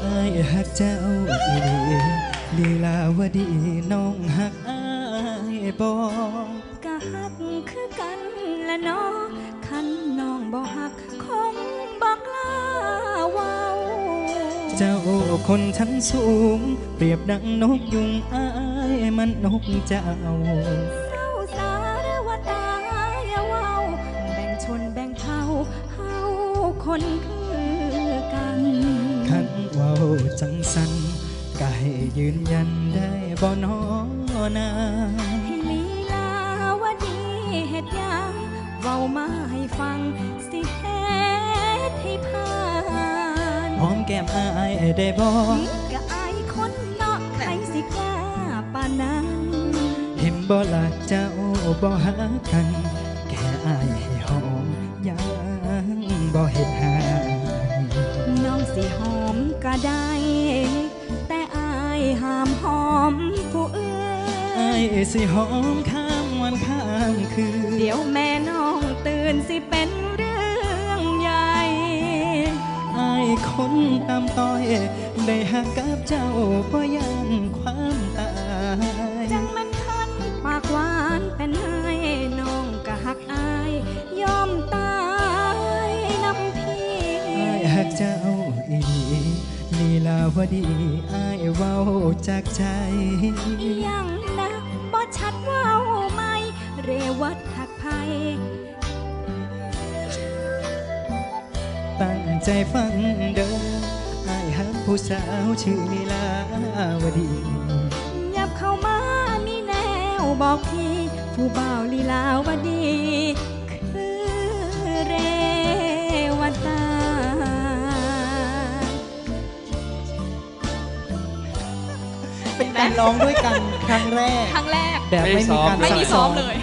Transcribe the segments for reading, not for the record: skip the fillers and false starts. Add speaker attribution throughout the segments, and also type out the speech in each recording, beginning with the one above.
Speaker 1: ายหักเจ้าอีหลีลีลาวดีน้องหักอายบ่
Speaker 2: กะหักคือกันละน้อคันน้องบ่หักคงบ่กล้าเว้า
Speaker 1: เจ้าคนชั้นสูงเปรียบดังนกยุงอายมันนกเจ้า
Speaker 2: เศร้าสารวตาอย่าเว้าแบ่งชนแบ่งเผ่าเฮาคนคือกัน
Speaker 1: ขันเว้าจังสันก็ให้ยืนยันได้บ่น้อนา
Speaker 2: ให้ลีลาวดีเฮ็ดหยังเว้ามาให้ฟังสิเฮ็ดให้ผ่าน
Speaker 1: หอมแก้มอายได้บ่
Speaker 2: ก็อายคนเนาะใครสิกล้าปานนั้น
Speaker 1: เห็นบ่ล่ะเจ้าบ่หากันแค่อายให้หอมยังบ่เฮ็ดหา
Speaker 2: น้องสิหอมก็ได้แต่อายห้ามหอมผู้อื่น
Speaker 1: อายสิหอมข้ามวันข้ามคืน
Speaker 2: เดี๋ยวแม่น้องตื่นสิเป็นเรื่องใหญ่
Speaker 1: อายคนตามต้อยได้หักกับเจ้าบ่ยันความตาย
Speaker 2: จังมันทันปากหวานเป็นให้น้องก็หักอายยอมตายน้ำพี่
Speaker 1: อายหักเจ้าอีหลีลีลาวดีอายเว้าจากใจ
Speaker 2: ยังนะบ่ชัดเว้าไหมเรวัดหักไผ
Speaker 1: ตั้งใจฟังเด้ออายหักผู้สาวชื่อลีลาวดี
Speaker 2: ยับเข้ามามีแนวบอกพี่ผู้บ่าวลีลาวดีคือเรวตา
Speaker 1: เป็นการร้องด้วยกันครั้งแรกแบบไม่มีการ
Speaker 3: ไม่มีซ้อมเลย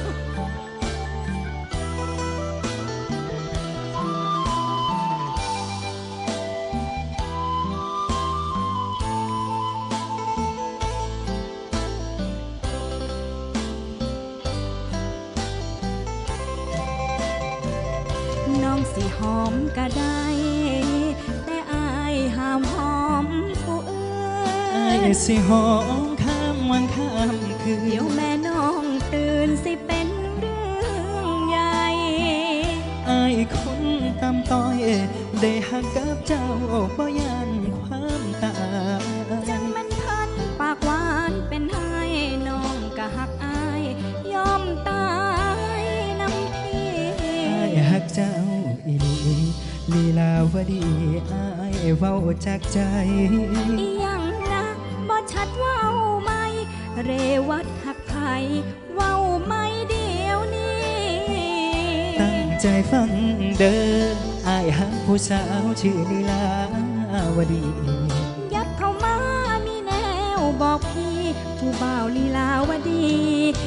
Speaker 2: น้องสิหอมก็ได้แต่อายห้ามหอมผู้อื่น
Speaker 1: อายสิหอมข้ามวันข้ามคืน
Speaker 2: เดี๋ยวแม่น้องตื่นสิเป็นเรื่องใหญ่
Speaker 1: อายคนตามต้อยได้หักกับเจ้าบ่ยันความตาย
Speaker 2: จังมันพันปากหวานเป็นให้น้องก็หักอายยอมตายน้ำพี่
Speaker 1: อายหักเจ้าอีหลีลีลาวดีอายเว้าจากใจ
Speaker 2: ยังนะบ่ชัดเว้าไหมเรวัดหักไผเว้าไม่เดียวนี้
Speaker 1: ตั้งใจฟังเด้ออายหักผู้สาวชื่อลีลาวดี
Speaker 2: ยับเข้ามามีแนวบอกพี่ผู้บ่าวลีลาวดี